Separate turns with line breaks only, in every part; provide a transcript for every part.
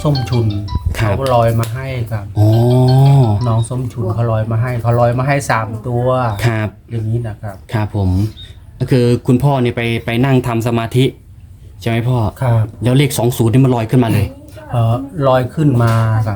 ส้มชุน
ครับ
เขาลอยมาให้ครับ
อ๋อ
น้องส้มชุนเขาลอยมาให้3 ตัว
ครับ
อย่างนี้นะครับ
ครับผมก็คือคุณพ่อเนี่ยไปนั่งทำสมาธิใช่ไหมพ่อ
ครับ
แล้วเลข20นี่มันลอยขึ้นมาเลย
ลอยขึ้นมาครับ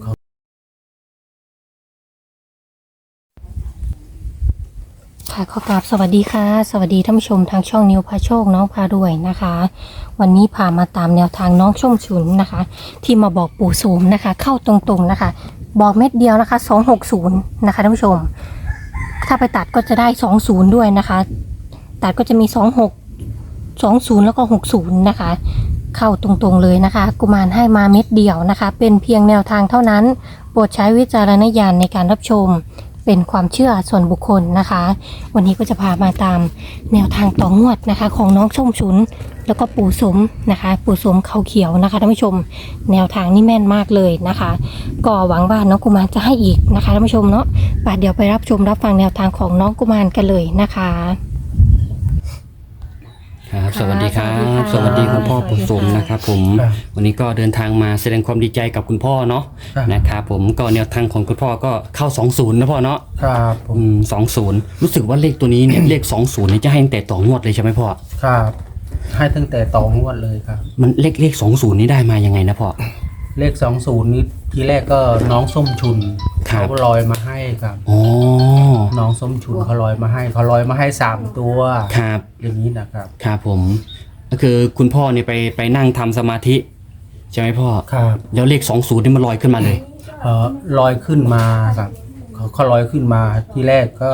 ค่ะขอกราบสวัสดีค่ะสวัสดีท่านผู้ชมทางช่องนิวพาโชคน้องพารวยนะคะ วันนี้พามาตามแนวทางน้องส้มฉุนนะคะ ที่มาบอกปู่โสมนะคะ เข้าตรงๆนะคะ บอกเม็ดเดียวนะคะ260นะคะท่านผู้ชม ถ้าไปตัดก็จะได้20ด้วยนะคะ ตัดก็จะมี26 20แล้วก็60นะคะ เข้าตรงๆเลยนะคะกุมารให้มาเม็ดเดียวนะคะ เป็นเพียงแนวทางเท่านั้นโปรดใช้วิจารณญาณในการรับชมเป็นความเชื่อส่วนบุคคลนะคะ วันนี้ก็จะพามาตามแนวทางต่องวดนะคะ ของน้องส้มฉุนแล้วก็ปู่สมนะคะ ปู่สมเขาเขียวนะคะท่านผู้ชม แนวทางนี่แม่นมากเลยนะคะก็หวังว่าน้องกุมารจะให้อีกนะคะท่านผู้ชมเนาะป่ะเดี๋ยวไปรับชมรับฟังแนวทางของน้องกุมารกันเลยนะคะ
ครับสวัสดีครับ
ส
ส
วั
วั
ส
ส
ดี
ดี
ค่ะ
คุณพ่อปู่สมนะครับผม
ครับ
วันนี้ก็เดินทางมาแสดงความดีใจกับคุณพ่อเนาะ
ครับ
นะครับผมก็แนวทางของคุณพ่อก็เข้า20นะพ่อเนาะ
ครับผม
20รู้สึกว่าเลขตัวนี้เนี่ย เลข20เนี่ยจะให้ตั้งแต่ต่องวดเลยใช่ไหมพ่อ
ครับ ให้ตั้งแต่ต่องวดเลยครับ
มันเลข20นี่ได้มายังไงนะพ่อ
เลข20นี้ทีแรกก็น้องส้มชุน
ครับ
เขาลอยมาให้ครับ
อ๋อ
น้องส้มชุนเขาลอยมาให้3 ตัว
ครับ
อย่างนี้นะครับ
ครับผมก็คือคุณพ่อเนี่ยไปนั่งทำสมาธิใช่ไหมพ่อ
ครับ
แล้วเลข20นี่มันลอยขึ้นมาเลย
ลอยขึ้นมาครับเขาลอยขึ้นมาที่แรกก็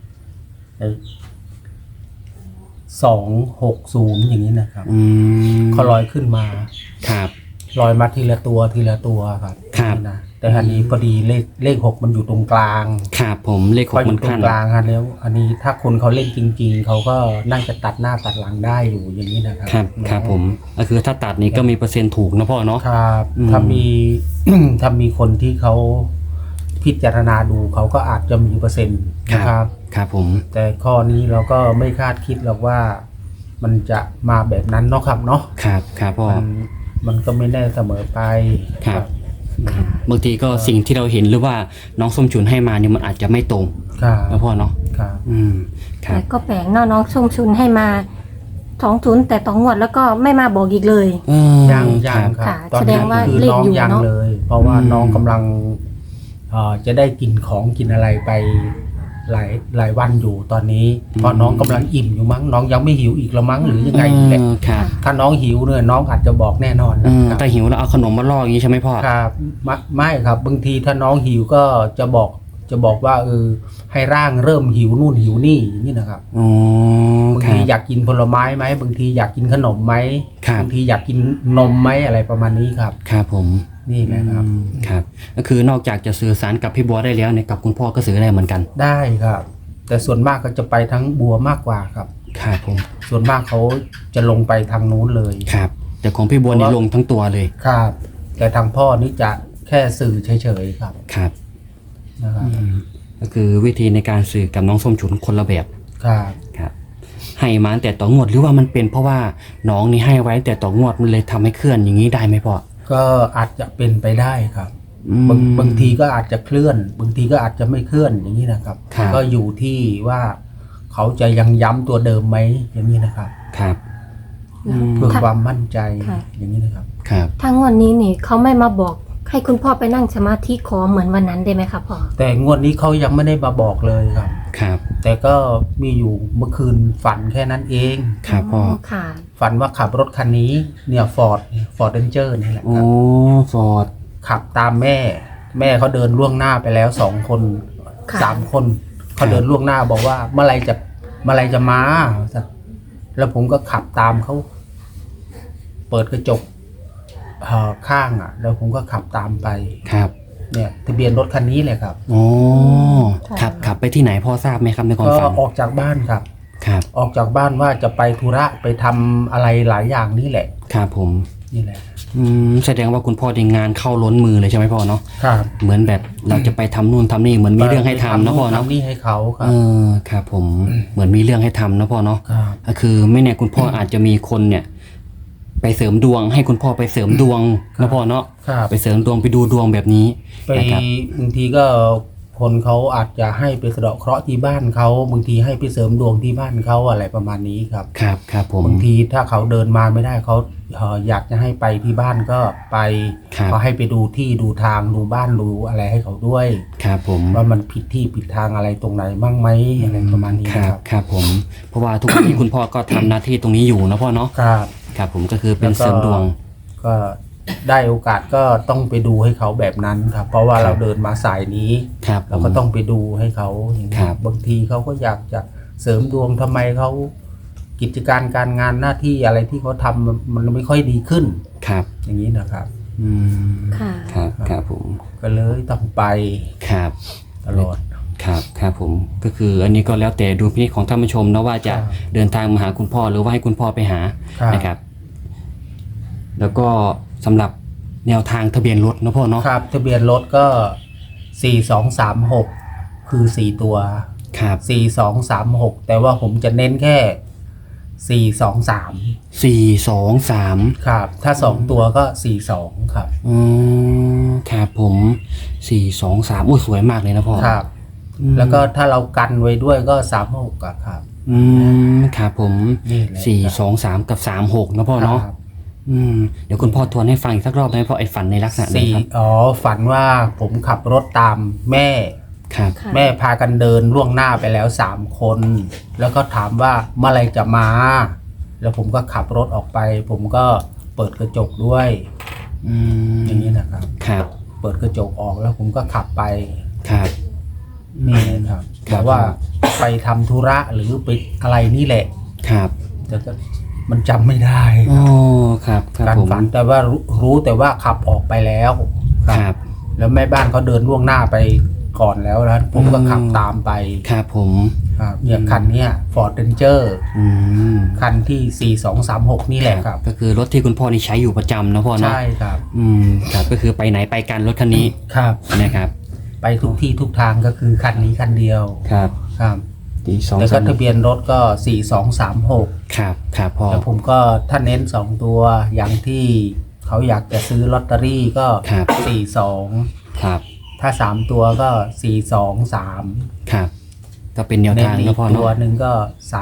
260อย่างนี้นะครับ
อืม
เขาลอยขึ้นมา
ครับ
ลอยมาทีละตัวครับ
ครับ
นะแต่อันนี้พอดีเลข6มันอยู่ตรงกลาง
ครับผมเลข
พอ
6
อ
มัน
ยู่ตร
ขั้
ง
น
กลางฮะแล้ว อันนี้ถ้าคนเขาเล่นจริง ๆเขาก็น่าจะตัดหน้าตัดหลังได้อยู่อย่างนี้นะครับ
ครับครับผมก็คือถ้าตัดนี่ก็มีเปอร์เซ็นต์ถูกนะพ่อเนาะ
ครับ
อืม
ถ้ามี ถ้ามีคนที่เขาพิจารณาดูเขาก็อาจจะมีเปอร์เซ็นต์นะครับ
ครับผม
แต่ข้อนี้เราก็ไม่คาดคิดหรอกว่ามันจะมาแบบนั้นเนาะครับเนาะ
ครับครับพ่อ
มันก็ไม่แน่เสมอไป
ครับ บางทีก็สิ่งที่เราเห็นหรือว่าน้องส้มฉุนให้มาเนี่ยมันอาจจะไม่ตรง
ครับ
นะพ่อเนาะ
ครับ
ครับ
แต่ก็แปลกเนาะน้องส้มฉุนให้มา20แต่ต่องวดแล้วก็ไม่มาบอกอีกเลย
ยัง
ครับ
ครับ
ค่ะ
ตอน
แสด
นี้
งว่า
คือ
เลข
น้อง
อยู่
ยัง
เนอะ
เลย เพราะว่า
อืม
น้องกำลังจะได้กินของกินอะไรไปหลายวันอยู่ตอนนี้เพราะน้องกำลังอิ่มอยู่มั้งน้องยังไม่หิวอีกละมั้งหรือยังไงนี่แหละ
ครับ
ถ้าน้องหิวเนี่ยน้องอาจจะบอกแน่นอนนะครับ
ถ้าหิวแล้วเอาขนมมาล่ออย่างนี้ใช่ไหมพ่อ
ครับไม่ครับบางทีถ้าน้องหิวก็จะบอกว่าให้ร่างเริ่มหิวนู่นหิวนี่นี่นะครับ
อ๋อบ
าง
ครั
ที
บ
อยากกินผลไม้ไหมบางทีอยากกินขนมไหม
ครับ
บางทีอยากกินนมไหมอะไรประมาณนี้ครับ
ครับผม
นี่แหละครับ
ครับก็คือนอกจากจะสื่อสารกับพี่บัวได้แล้วเนี่ยกับคุณพ่อก็สื่อได้เหมือนกัน
ได้ครับ แต่ส่วนมากก็จะไปทั้งบัวมากกว่าครับ
ครับผม
ส่วนมากเขาจะลงไปทางนู้นเลย
ครับแต่ของพี่บัวนี่ลงทั้งตัวเลย
ครับ แต่ทางพ่อนี่จะแค่สื่อเฉยๆครับ
ครับ
นะครับ
ก็คือวิธีในการสื่อกับน้องส้มฉุนคนละแบบ
ครับ
ครับให้มาตั้งแต่ต่องวดหรือว่ามันเป็นเพราะว่าน้องนี่ให้ไว้แต่ต่องวดมันเลยทำให้เคลื่อนอย่างนี้ได้ไหมพ่อ
ก็อาจจะเป็นไปได้ครับ
อืม
บางทีก็อาจจะเคลื่อน บางทีก็อาจจะไม่เคลื่อนอย่างนี้นะครับ
ครับ
ก็อยู่ที่ว่าเขาจะยังย้ำตัวเดิมไหมอย่างนี้นะครับ
ครับอืม
เพื่อความมั่นใจ
ค่ะ
อย่างนี้นะครับ
ครับ
ถ้างวดนี้นี่เขาไม่มาบอกให้คุณพ่อไปนั่งสมาธิขอเหมือนวันนั้นได้ไหมครับพ่อ
แต่งวดนี้เขายังไม่ได้มาบอกเลยครับ
ครับ
แต่ก็มีอยู่เมื่อคืนฝันแค่นั้นเอง
ครับพ่อ
ค่ะ
ฝันว่าขับรถคันนี้เนี่ยฟอร์ดเรนเจอร์นี่แหละ
โอ้
ครับ
ฟอร์ด
ขับตามแม่เขาเดินล่วงหน้าไปแล้ว2 คน
ค่ะ
3 คนเขาเดินล่วงหน้าบอกว่าเมื่อไรจะมาแล้วผมก็ขับตามเขาเปิดกระจกข้างแล้วผมก็ขับตามไป
ครับ
เนี่ยทะเบียนรถคันนี้เลยครับ
โอ้ขับไปที่ไหนพ่อทราบไหมครับในความ
ก็
ฝัน
ออกจากบ้านครับ
ครับ
ออกจากบ้านว่าจะไปธุระไปทำอะไรหลายอย่างนี่แหละ
ครับผม
นี่แหละ
แสดงว่าคุณพ่อได้งานเข้าล้นมือเลยใช่ไหมพ่อเนาะ
ครับ
เหมือนแบบเราจะไปทำนู่นทำนี่เหมือนมีเรื่องให้ทำเนาะพ่อเนาะ
ทำนี่ให้เขาครั
เอบ อครับผมเหมือนมีเรื่องให้ทำนะพ่อเนาะ
ครับ
ก็คือไม่แน่คุณพ่ออาจจะมีคนเนี่ย ไปไปเสริมดวง ให้คุณพ่อไปเสริมดวงนะพ่อเนาะ
ครับ
ไปเสริมดวงไปดูดวงแบบนี้
ไป
นะครับ
บางทีก็คนเขาอาจจะให้ไปสะเดาะเคราะห์ที่บ้านเขาบางทีให้ไปเสริมดวงที่บ้านเขาอะไรประมาณนี้ครับ
ครับครับผม
บางทีถ้าเขาเดินมาไม่ได้เขาอยากจะให้ไปที่บ้านก็ไป
ครับ
เขาให้ไปดูที่ดูทางดูบ้านดูอะไรให้เขาด้วย
ครับผม
ว่ามันผิดที่ผิดทางอะไรตรงไหนบ้างไหมอะไรประมาณนี้
ครั
ครับ บ
ครับผม เพราะว่าทุกวันนี้ คุณพ่อก็ทำหน้าที่ตรงนี้อยู่นะพ่อเนาะ
ครับ
ครับผมก็คือเป็น
แล้วก็
เสริมดวง
ก็ได้โอกาสก็ต้องไปดูให้เขาแบบนั้นครับ เพราะว่า
ครับ
เราเดินมาสายนี้
ครับ
เราก็ต้องไปดูให้เขาอย่างนี้
ครับ
บางทีเขาก็อยากจะเสริมดวงทำไมเขากิจการการงานหน้าที่อะไรที่เขาทำมันไม่ค่อยดีขึ้น
ครับ
อย่างนี้นะครับ
อืม
ค่ะ
ครับครับผม
ก็เลยต้องไป
ครับ
ตลอด
ครับครับผมก็คืออันนี้ก็แล้วแต่ดูพินิจของท่านผู้ชมนะว่าจะ
ครับ
เดินทางมาหาคุณพ่อหรือว่าให้คุณพ่อไปหา
ครับ
นะครับ แล้วก็สำหรับแนวทางทะเบียนรถนะพ่อเนาะ
ครับทะเบียนรถก็ 4236 คือ 4 ตัว
ครับ
4236 แต่ว่าผมจะเน้นแค่ 423
423
ครับ ถ้า 2 ตัวก็ 42 ครับ
อืมครับผม423อุ้ยสวยมากเลยนะพ่อ
ครับ
อืม
แล้วก็ถ้าเรากันไว้ด้วยก็ 36อะครับ
อืมครับผม
นี่แหละ
423กับ36นะพ่อเนาะ
ครับ
อืมเดี๋ยวคุณพ่อทวนให้ฟังอีกสักรอบได้ไหมพ่อไอ้ฝันในลักษณะไหน
สี่
ครับ
ฝันว่าผมขับรถตามแม่
ครับ
ค่ะ
แม่พากันเดินล่วงหน้าไปแล้ว3 คน แล้วก็ถามว่าเมื่อไหรจะมา แล้วผมก็ขับรถออกไป ผมก็เปิดกระจกด้วย
อืม
อย่างนี้นะครับ
ครับ
เปิดกระจกออกแล้วผมก็ขับไป
ครับ
นี่นะครับ
ครับ
แต่ว่าไปทำธุระหรือไปอะไรนี่แหละ
ครับ
แต่ก็มันจำไม่ได้ค
โอ้
รับ
ครับครับ
การ
ผม
ฝันแต่ว่ารู้แต่ว่าขับออกไปแล้ว
ครับ
แล้วแม่บ้านเขาเดินล่วงหน้าไปก่อนแล้วนะผมก็ขับตามไป
ครับผม
ครับเนี่ยคันเนี้ย Ford Ranger
อืม
คันที่ 4236 นี่แหละครับ
ก็คือรถที่คุณพ่อนี่ใช้อยู่ประจำนะพ่อเนาะ
ใช่ครับ
อืมครับก็คือไปไหนไปกันรถคันนี้
ครับ
นะครับ
ไปทุกที่ทุกทางก็คือคันนี้คันเดียว
ครับ
ครับ
ที่สอง
แล้วก็
สาม
ทะเบียนรถก็ 4236
ครับครับพ่อ
แล้วผมก็ถ้าเน้น 2 ตัวอย่างที่เขาอยากจะซื้อลอตเตอรี่ก็
ครับ
42
ครับ
ถ้า 3 ตัวก็ 423
ครับ ก็เป็นแนว
เน้น
ทาง
อี
นะ
ก
พ่อ
ตัว
เนาะ
หนึ่งก็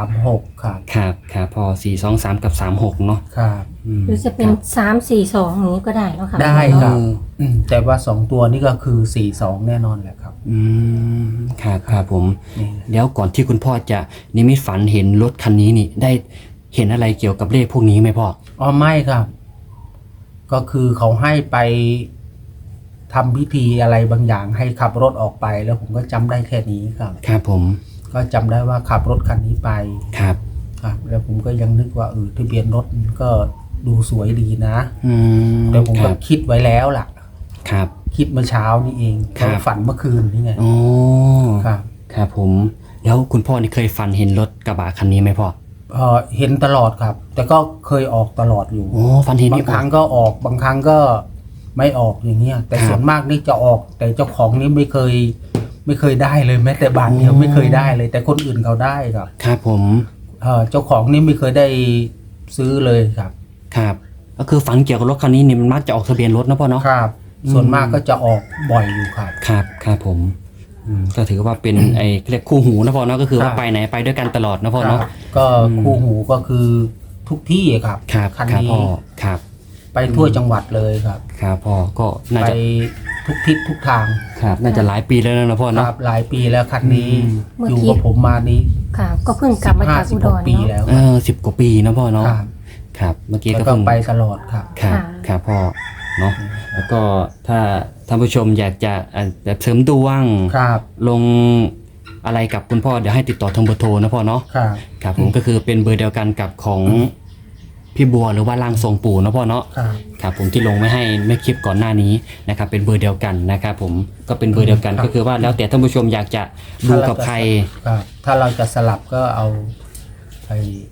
36 ครับ
ครับครับพ่อ423กับ36เนาะ
ครับ
หรือจะเป็น342อย่างนี้ก็ได้เนาะค่ะ
ได้ครับ
เออ
แต่ว่า 2 ตัวนี่ก็คือ 42 แน่นอนแหละครับ
อืมครับครับผม
นี่
แล้วก่อนที่คุณพ่อจะนิมิตฝันเห็นรถคันนี้นี่ ได้เห็นอะไรเกี่ยวกับเลขพวกนี้ไหมพ่อ
อ๋อไม่ครับ ก็คือเขาให้ไปทำพิธีอะไรบางอย่างให้ขับรถออกไป แล้วผมก็จำได้แค่นี้ครับ
ครับผม
ก็จำได้ว่าขับรถคันนี้ไป
ครับ
ครับ แล้วผมก็ยังนึกว่าทะเบียนรถมันก็ดูสวยดีนะ
อืม
แต่ผม
ค
ก็
รับ
คิดไว้แล้วล่ะ
ครับ
คิดเมื่อเช้านี่เอง
ครับ
ก็ฝันเมื่อคืนนี่ไง
โอ้
ครับ
ครับผม แล้วคุณพ่อนี่เคยฝันเห็นรถกระบะคันนี้ไหมพ่อ
เห็นตลอดครับ แต่ก็เคยออกตลอดอยู่
โอ้ฝันเห็น
บา
นี่
งครั้งก็ออกบางครั้งก็ไม่ออกอย่างเงี้ย แต่
ครับ
ส่วนมากนี่จะออก แต่เจ้าของนี่ไม่เคยได้เลยแม้แต่บาทเดียว
โอ้
ไม่เคยได้เลย แต่คนอื่นเขาได้ครับ
ครับผม
เจ้าของนี่ไม่เคยได้ซื้อเลยครับ
ครับ ก็คือฝันเกี่ยวกับรถคันนี้นี่มันมักจะออกทะเบียนรถนะพ่อเนาะ
ครับ ส่วนมากก็จะออกบ่อยอยู่ครับ
ครับครับผมก็ถือว่าเป็นไอ้เรียกคู่หูนะพ่อเนาะก็คือว่า
ครับ
ไปไหนไปด้วยกันตลอดนะพ่อ
ครั
เนาะ
บก็คู่หูก็คือทุกที่ครับ
ครับ
คัน
ครับ
นี้
พ่อครับ
ไปทั่วจังหวัดเลยครับ
ครับพ่อก็น่า
ไป
จะ
ทุกทิศทุกทาง
ครับน่าจะหลายปีแล้วนะพ่อ
ค
เนาะ
รับหลายปีแล้วคันนี้
เมื่อ
อยู่
กี้
กับผมมานี้
ค่ะ ก็เพิ่งกลับมาจากอุดร
50 ปี
เนาะ
แล้ว
10 กว่าปีนะพ่อเนาะ
ครับ
ครับเมื่อกี้
แล้ว
ก็
ก็
เพิ่ง
ไปตลอดครับ
ครับ
ค่ะ
ครับพ่อเนาะแล้วก็ถ้าท่านผู้ชมอยากจะแบบเสริมดวง
ครับ
ลงอะไรกับคุณพ่อเดี๋ยวให้ติดต่อทางเบอร์โทรนะพ่อเนาะ
ครับ
ครับผมก็คือเป็นเบอร์เดียวกันกับของพี่บัวหรือว่าร่างทรงปู่นะพ่อเนาะ
ครับ
ครับผมที่ลงไม่ให้ไม่คลิปก่อนหน้านี้นะครับเป็นเบอร์เดียวกันนะครับผมก็เป็นเบอร์เดียวกันก็คือว่าแล้วแต่ท่านผู้ชมอยากจะดูกับใคร
ครับ ถ้าเราจะสลับก็เอาไป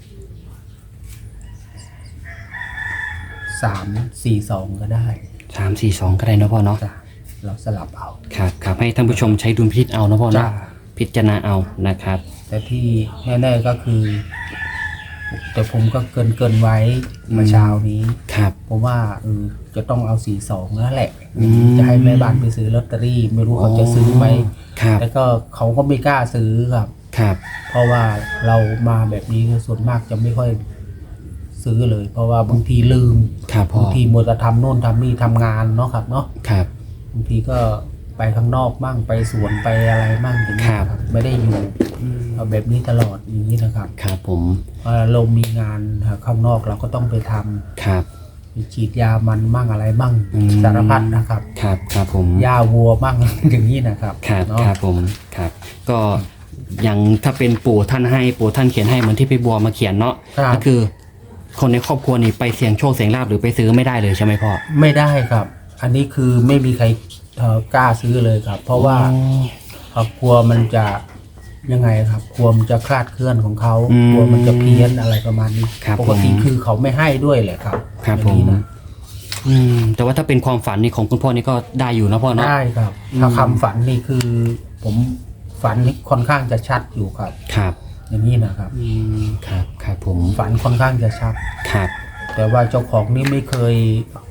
342ก็ได้
342ก็ได้นะพ่อเนาะ
จ้ะเราสลับเอา
ครับครับให้ท่านผู้ชมใช้ดุลพินิจเอานะพ่อ
จ้ะ
เนาะพิจารณาเอานะครับ
แต่ที่แน่ๆก็คือแต่ผมก็เกินไว้เมื่อเช้านี้
ครับ
ผมว่าจะต้องเอา42นั่นแหละ
อืม
จะให้แม่บ้านไปซื้อลอตเตอรี่ ไม่รู้เขาจะซื้อไหม
ครับ
แล้วก็เขาก็ไม่กล้าซื้อครับ
ครับ
เพราะว่าเรามาแบบนี้ส่วนมากจะไม่ค่อยซื้อเลย เพราะว่าบางทีลืม
ครับพ่อบ
างทีมัวแต่ทำโน่นทำนี่ทำงานเนาะครับเนาะ
ครับ
บางทีก็ไปข้างนอกมั่งไปสวนไปอะไรมั่งอย่างนี้
ครับ
ครับไม่ได้อยู่เอาแบบนี้ตลอดอย่างนี้นะครับ
ครับผม
เรามีงานข้างนอกเราก็ต้องไปทำ
ครับ
ไปฉีดยามันมั่งอะไรมั่ง
อืม
สารพัดนะครับ
ครับครับผม
ยาวัวมั่ง อย่างนี้นะครับ
ครับ
เนาะ
ครับผมครับ ก็อย่างถ้าเป็นปู่ท่านให้ปู่ท่านเขียนให้เหมือนที่พี่บัวมาเขียนเนาะ
ครับ
ก็คือ คนในครอบครัวนี่ไปเสี่ยงโชคเสี่ยงลาภหรือไปซื้อไม่ได้เลยใช่ไหมพ่อ
ไม่ได้ครับ อันนี้คือไม่มีใครกล้าซื้อเลยครับ เพราะว่า กลัวมันจะยังไงครับกลัวมันจะคลาดเคลื่อนของเขากลัวมันจะเพี้ยนอะไรประมาณนี้
ครับ
ปกติ
ผม
คือเขาไม่ให้ด้วยแหละครับ
ครับ
อย่า
ผ
ง
ม
นี้นะ
แต่ว่าถ้าเป็นความฝันนี่ของคุณพ่อนี่ก็ได้อยู่นะพ่อเนาะ
ได้ครับ
อืม
ถ้าคำฝันนี่คือ ผมฝันนี่ค่อนข้างจะชัดอยู่ครับ
ครับ
อย่างนี้นะครับ
ครับครับผม
ฝันค่อนข้างจะชัด
ครับ
แต่ว่าเจ้าของนี่ไม่เคย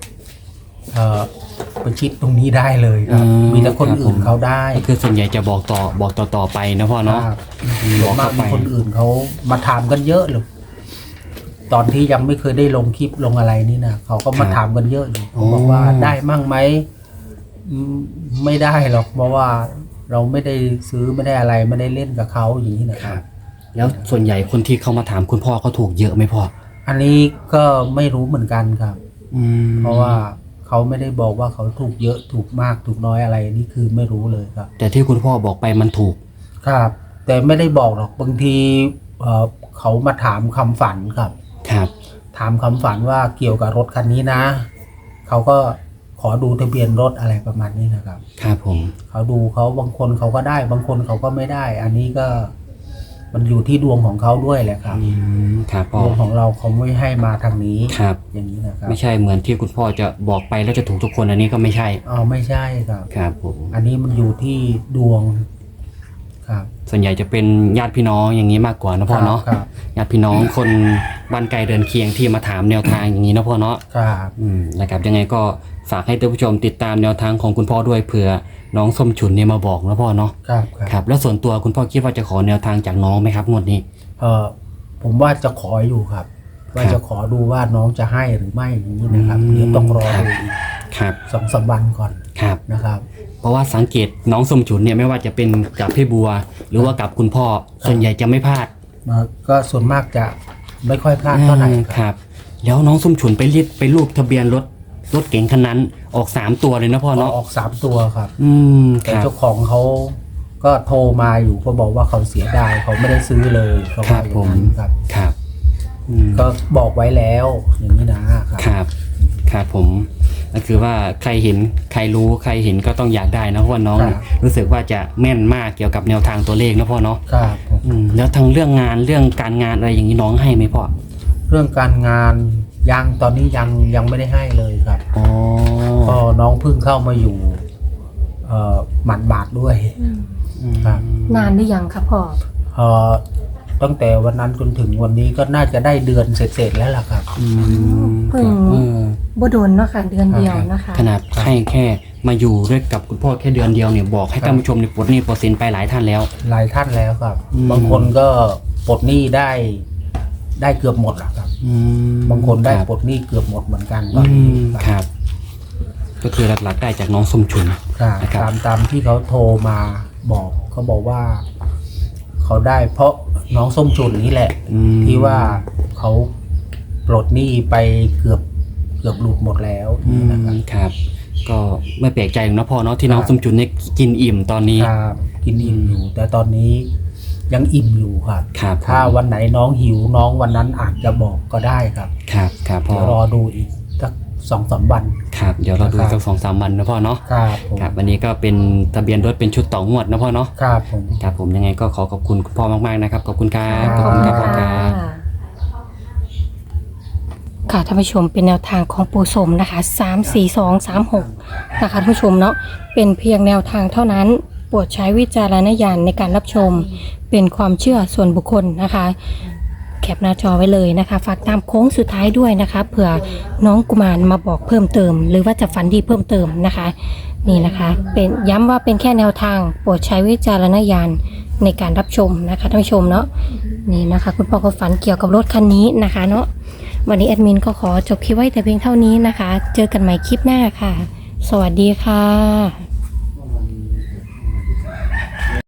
ประชิดตรงนี้ได้เลยครับ มีแต่คนอื่นเขาได้
ก็คือส่วนใหญ่จะบอกต่อไปนะพ่อเนาะ
ครับ
อืม
ส่วนมาก
บอกเข้าไป
มีคนอื่นเขามาถามกันเยอะเลยตอนที่ยังไม่เคยได้ลงคลิปลงอะไรนี่นะเขาก็มาถามกันเยอะอยู่ผมบอกว่าได้มั่งไหมไม่ได้หรอกเพราะว่าเราไม่ได้ซื้อไม่ได้อะไรไม่ได้เล่นกับเขาอย่างนี้นะค
ค
รั
รับ บ แล้วส่วนใหญ่คนที่เขามาถามคุณพ่อเขาถูกเยอะไหมพ่อ
อันนี้ก็ไม่รู้เหมือนกันครับ
ม
เพราะว่าเขาไม่ได้บอกว่าเขาถูกเยอะถูกมากถูกน้อยอะไรนี่คือไม่รู้เลยครับ
แต่ที่คุณพ่อบอกไปมันถูก
ครับ แต่ไม่ได้บอกหรอกบางทีเขามาถามคำฝันครับ
ครับ
ถามคำฝันว่าเกี่ยวกับรถคันนี้นะเขาก็ขอดูทะเบียนรถอะไรประมาณนี้นะครับ
ครับผม
เขาดูเขาบางคนเขาก็ได้ บางคนเขาก็ไม่ได้ อันนี้ก็มันอยู่ที่ดวงของเขาด้วยแหละครับ
ครับพ่อ
ดวงของเราเขาไม่ให้มาทางนี้
ครับ
อย่างนี้นะครับ
ไม่ใช่เหมือนที่คุณพ่อจะบอกไปแล้วจะถูกทุกคนอันนี้ก็ไม่ใช่
ไม่ใช่ครับ
ครับผม
อันนี้มันอยู่ที่ดวงครับ
ส่วนใหญ่จะเป็นญาติพี่น้องอย่างนี้มากกว่านะพ่อเนาะ
ครับ
ญาติพี่น้องคนบ้านไกลเดินเคียงที่มาถามแนวทางอย่างนี้นะพ่อเนาะ
ครับ
นะครับยังไงก็ฝากให้ท่านผู้ชมติดตามแนวทางของคุณพ่อด้วยเผื่อน้องส้มฉุนเนี่ยมาบอกนะพ่อเนาะ
ครับ
ครับแล้วส่วนตัวคุณพ่อคิดว่าจะขอแนวทางจากน้องไหมครับงวดนี้
ผมว่าจะขออยู่ครับ ว่า
ครับ
จะขอดูว่าน้องจะให้หรือไม่อย่างนี้นะครับเดี๋ยวต้องรอ
ครับ
ดูอีก
ครับ
2-3 วันก่อน
ครับ
นะครับ
เพราะว่าสังเกตน้องส้มฉุนเนี่ยไม่ว่าจะเป็นกับพี่บัว หรือว่ากับคุณพ่อส่วนใหญ่จะไม่พลาด
ก็ส่วนมากจะไม่ค่อยพลาดเท่าไหร่
ครับ แล้วน้องส้มฉุนไปรูปทะเบียนรถเก๋งคันนั้นออก3ตัวเลยนะพ่อเนาะ
ออก3 ตัวครับ
ค
แต่
รับ
เจ้าของเขาก็โทรมาอยู่ก็บอกว่าเขาเสียดายเขาไม่ได้ซื้อเลยเขาว่าอย่างนั้นครับ
ครับ
ก็บอกไว้แล้วอย่างนี้นะครับ
ครับครับผมก็คือว่าใครเห็นใครรู้ใครเห็นก็ต้องอยากได้นะเพราะว่าน้องเนี่ยรู้สึกว่าจะแม่นมากเกี่ยวกับแนวทางตัวเลขนะพ่อเนาะ
ครับผม
แล้วทั้งเรื่องงานเรื่องการงานอะไรอย่างนี้น้องให้ไหมพ่อ
เรื่องการงานยังตอนนี้ยังไม่ได้ให้เลยครับ
อ๋อ
ก็น้องเพิ่งเข้ามาอยู่หมัดบาดด้วยครับ
นานหรือยังคะพ่อ
ตั้งแต่วันนั้นจนถึงวันนี้ก็น่าจะได้เดือนเสร็จๆแล้วล่ะครับ
เพิ่งบ่โดนเนาะค่ะเดือนเดียวนะคะ
ขนาดให้แค่มาอยู่ด้วยกับคุณพ่อแค่เดือนเดียวเนี่ยบอกให้ท่านผู้ชมเนี่ยปลดหนี้ปลดสินไปหลายท่านแล้ว
หลายท่านแล้วครับ
อืม
บางคนก็ปลดหนี้ได้เกือบหมดแล้วครับ บางคนได้
รับ
ปลดหนี้เกือบหมดเหมือนกันตอนนี้
ครับ ก็คือหลักๆได้จากน้องส้มฉุน
ครับ
นะครับ
ตามที่เขาโทรมาบอกเขาบอกว่า เขาได้เพราะน้องส้มฉุนนี่แหละ ที่ว่าเขาปลดหนี้ไปเกือบหลุดหมดแล้วนะครับ
ครับ ก็ไม่แปลกใจหรอกนะพ่อเนาะที่น้อง
ครับ
ส้มฉุนเนี่ยกินอิ่มตอนนี้
ครับกินอิ่มอยู่ แต่ตอนนี้ยังอิ่มอยู่ครับ
ครับ
ถ้าวันไหนน้องหิวน้องวันนั้นอาจจะบอกก็ได้ครับ
ครับครับพ่อ
เดี๋ยวรอดูอีกสัก 2-3 วัน
ครับเดี๋ยวเราดู
ครับ
สัก2-3 วันนะพ่อเนาะ
ครับผม
ครับวันนี้ก็เป็นทะเบียนรถเป็นชุดต่องวดนะพ่อเนาะ
ครับผม
ครับผมยังไงก็ขอขอบคุณคุณพ่อมากๆนะครับขอบคุณครับขอบคุณครับพ่อครับ
ค่ะท่านผู้ชมเป็นแนวทางของปู่สมนะคะ34236นะคะท่านผู้ชมเนาะเป็นเพียงแนวทางเท่านั้นโปรดใช้วิจารณญาณในการรับชม เป็นความเชื่อส่วนบุคคลนะคะ แคปหน้าจอไว้เลยนะคะฝากตามโค้งสุดท้ายด้วยนะคะเผื่อน้องกุมารมาบอกเพิ่มเติม หรือว่าจะฝันดีเพิ่มเติมนะคะนี่นะคะเป็นย้ำว่าเป็นแค่แนวทางโปรดใช้วิจารณญาณในการรับชมนะคะท่านผู้ชมเนาะนี่นะคะคุณพ่อก็ฝันเกี่ยวกับรถคันนี้นะคะเนาะวันนี้แอดมินก็ขอจบคลิปไว้แต่เพียงเท่านี้นะคะเจอกันใหม่คลิปหน้าค่ะสวัสดีค่ะ